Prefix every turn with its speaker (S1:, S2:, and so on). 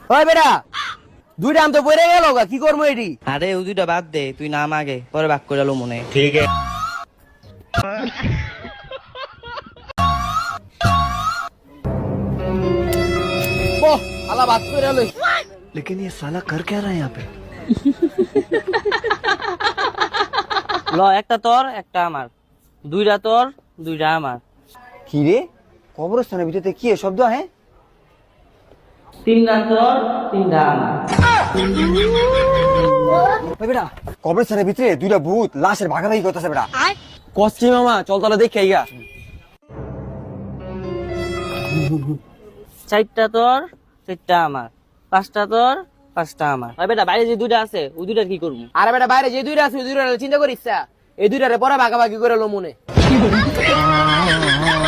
S1: ওই বেটা দুইটা আম তো পড়ে গেল গা, কি করবো এটি?
S2: আরে ও দুইটা বাদ দে, তুই নাম আগে, পরে বাক করে লো মনে।
S1: বহ আলা বাদ করে লই।
S3: लेकिन ये साला कर क्या रहा है यहाँ पे?
S2: ল, একটা তোর একটা আমার, দুইটা তোর দুইটা আমার,
S1: কি রে কবরস্থানের ভিতরে কি শব্দ হ্যাঁ?
S2: তিনটা তোর তিনটা আমার।
S1: ওই বেটা কবরস্থানের ভিতরে দুইটা ভূত লাশের ভাগাভাগি করতেছে বেটা।
S4: কষ্টি মামা, চল তাহলে দেখে আইগা।
S2: চারটা তোর চারটা আমার, পাঁচটা তোর পাঁচটা আমার। ওই বেটা বাইরে যে দুইটা আছে ওই দুইটা কি করবো?
S1: আরে বেটা বাইরে যে দুইটা আছে ওই দুইটা চিন্তা করিস, এই দুইটারে পরে ভাগাভাগি করে লো মনে।